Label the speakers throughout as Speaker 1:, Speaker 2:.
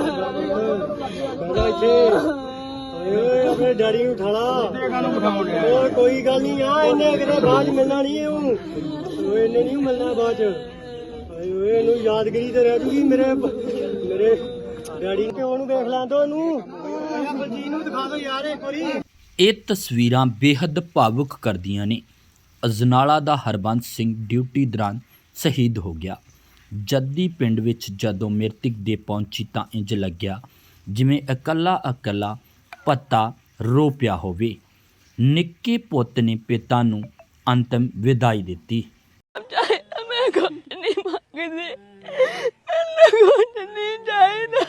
Speaker 1: अपने डैडी नूं उठा ला कोई गल नहीं आ इन्हें किते बाद च मिलना नहीं इन्हें नहीं मिलना बाद च यादगिरी तो रह जूगी मेरे मेरे डैडी प्यो नूं देख लैन दो बलजीत नूं दिखा दो यार एक वारी।
Speaker 2: ਇਹ ਤਸਵੀਰਾਂ ਬੇहद ਭਾਵੁਕ ਕਰਦੀਆਂ ਨੇ। ਅਜਨਾਲਾ ਦਾ ਹਰਬੰਸ ਸਿੰਘ ਡਿਊਟੀ ਦੌਰਾਨ ਸ਼ਹੀਦ ਹੋ ਗਿਆ। ਜੱਦੀ ਪਿੰਡ ਵਿੱਚ ਜਦੋਂ ਮ੍ਰਿਤਕ ਦੇ ਪਹੁੰਚੀ ਤਾਂ ਇੰਜ ਲੱਗਿਆ ਜਿਵੇਂ ਇਕੱਲਾ ਪੱਤਾ ਰੋ ਪਿਆ ਹੋਵੇ। ਨਿੱਕੇ ਪੁੱਤ ਨੇ ਪਿਤਾ ਨੂੰ ਅੰਤਮ ਵਿਦਾਈ ਦਿੱਤੀ।
Speaker 3: मैं कुछ नहीं मांगती, कुछ नहीं चाहिए।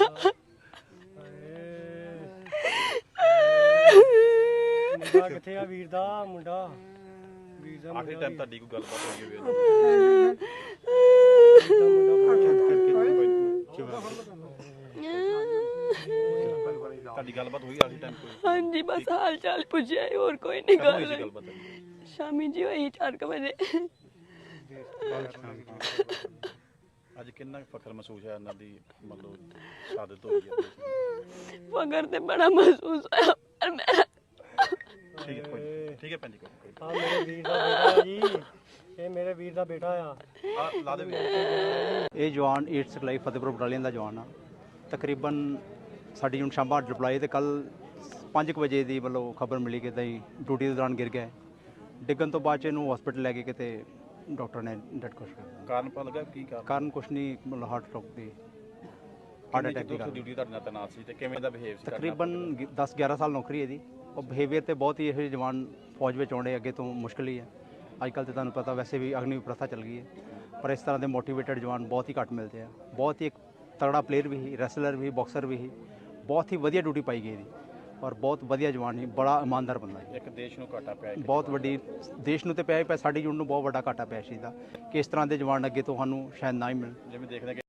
Speaker 1: ਮੁੰਡਾ ਕਿੱਥੇ ਆ ਵੀਰ ਦਾ ਮੁੰਡਾ
Speaker 4: ਆਖਰੀ ਟਾਈਮ ਤੁਹਾਡੀ ਕੋਈ ਗੱਲਬਾਤ ਹੋਈ ਹੋਵੇ ਤੁਹਾਡੀ ਗੱਲਬਾਤ ਹੋਈ ਆਖਰੀ ਟਾਈਮ ਕੋਈ?
Speaker 3: हाँ जी बस हाल चाल पूछे और कोई नहीं
Speaker 4: ਕਦੋਂ ਹੋਈ ਸੀ
Speaker 3: गल।
Speaker 4: ਗੱਲਬਾਤ?
Speaker 3: शामी जी वही 4 बजे।
Speaker 4: ਅੱਜ ਕਿੰਨਾ ਕੁ ਫਖਰ ਮਹਿਸੂਸ ਹੈ ਇਹਨਾਂ ਦੀ ਮਤਲਬ ਸ਼ਹਾਦਤ ਹੋਈ ਹੈ?
Speaker 3: मगर तो बड़ा महसूस होया पर मैं
Speaker 4: ਠੀਕ ਹੈ ਠੀਕ ਹੈ ਭੈਣ ਜੀ ਕੋਈ
Speaker 1: ਆ ਮੇਰੇ ਵੀਰ ਦਾ ਬੇਟਾ ਜੀ ਇਹ ਮੇਰੇ ਵੀਰ ਦਾ ਬੇਟਾ ਆ
Speaker 4: ਆ ਲਾ ਦੇ ਵੀ
Speaker 5: ਇਹ ਜਵਾਨ 8 ਸਿਖਲਾਈ ਫਤਿਹਪੁਰ ਬਟਾਲੀਅਨ ਦਾ ਜਵਾਨ ਆ। ਤਕਰੀਬਨ ਸਾਡੀ ਹੁਣ ਸ਼ਾਮਾਂ ਡਿਪਲਾਈ ਤੇ ਕੱਲ 5 ਵਜੇ ਦੀ ਮਤਲਬ ਖਬਰ ਮਿਲੀ ਕਿ ਤਾਂ ਡਿਊਟੀ ਦੇ ਦੌਰਾਨ ਗਿਰ ਗਿਆ। ਡਿੱਗਣ ਤੋਂ ਬਾਅਦ 'ਚ ਇਹਨੂੰ ਹਸਪੀਟਲ ਲੈ ਕੇ ਕਿਤੇ ਡਾਕਟਰ ਨੇ ਡੈਡ ਕੋਸ਼ ਕਰ ਦਿੱਤਾ।
Speaker 4: ਕਾਰਨ ਪਤਾ ਲੱਗਾ ਕੀ
Speaker 5: ਕਾਰਨ ਕੁਛ ਨਹੀਂ ਮਤਲਬ ਹਾਰਟ ਅਟੈਕ ਦੀ
Speaker 4: ਡਿਊਟੀ ਤੁਹਾਡੇ ਨਾਲ ਤੈਨਾਤ ਸੀ ਤੇ ਕਿਵੇਂ ਦਾ ਬਿਹੇਵ ਸੀ?
Speaker 5: ਤਕਰੀਬਨ 10-11 ਸਾਲ ਨੌਕਰੀ ਹੈ ਇਹਦੀ। ਉਹ ਬਿਹੇਵੀਅਰ ਤੇ ਬਹੁਤ ਹੀ ਇਹ ਜਵਾਨ ਫੌਜ ਵਿੱਚ ਆਉਣੇ ਅੱਗੇ ਤੋਂ ਮੁਸ਼ਕਿਲ ਹੀ ਹੈ। ਅੱਜ ਕੱਲ੍ਹ ਤੇ ਤੁਹਾਨੂੰ ਪਤਾ ਵੈਸੇ ਵੀ ਅਗਨੀ ਪ੍ਰਥਾ ਚੱਲ ਗਈ ਹੈ ਪਰ ਇਸ ਤਰ੍ਹਾਂ ਦੇ ਮੋਟੀਵੇਟਡ ਜਵਾਨ ਬਹੁਤ ਹੀ ਘੱਟ ਮਿਲਦੇ ਆ। ਬਹੁਤ ਹੀ ਇੱਕ ਤਗੜਾ ਪਲੇਅਰ ਵੀ ਸੀ, ਰੈਸਲਰ ਵੀ, ਬਾਕਸਰ ਵੀ ਸੀ। ਬਹੁਤ ਹੀ ਵਧੀਆ ਡਿਊਟੀ ਪਾਈ ਗਈ ਇਹਦੀ ਔਰ ਬਹੁਤ ਵਧੀਆ ਜਵਾਨ ਸੀ, ਬੜਾ ਇਮਾਨਦਾਰ ਬੰਦਾ ਸੀ।
Speaker 4: ਇੱਕ ਦੇਸ਼ ਨੂੰ ਘਾਟਾ ਪਿਆ
Speaker 5: ਬਹੁਤ ਵੱਡੀ ਦੇਸ਼ ਨੂੰ ਤੇ ਪਿਆ ਸਾਡੀ ਯੂਨਿਟ ਨੂੰ ਬਹੁਤ ਵੱਡਾ ਘਾਟਾ ਪਿਆ ਸੀ ਦਾ ਕਿ ਇਸ ਤਰ੍ਹਾਂ ਦੇ ਜਵਾਨ ਅੱਗੇ ਤੋਂ ਸਾਨੂੰ ਸ਼ਾਇਦ ਨਾ ਹੀ ਮਿਲਣ।
Speaker 4: ਜਿਵੇਂ ਦੇਖਦੇ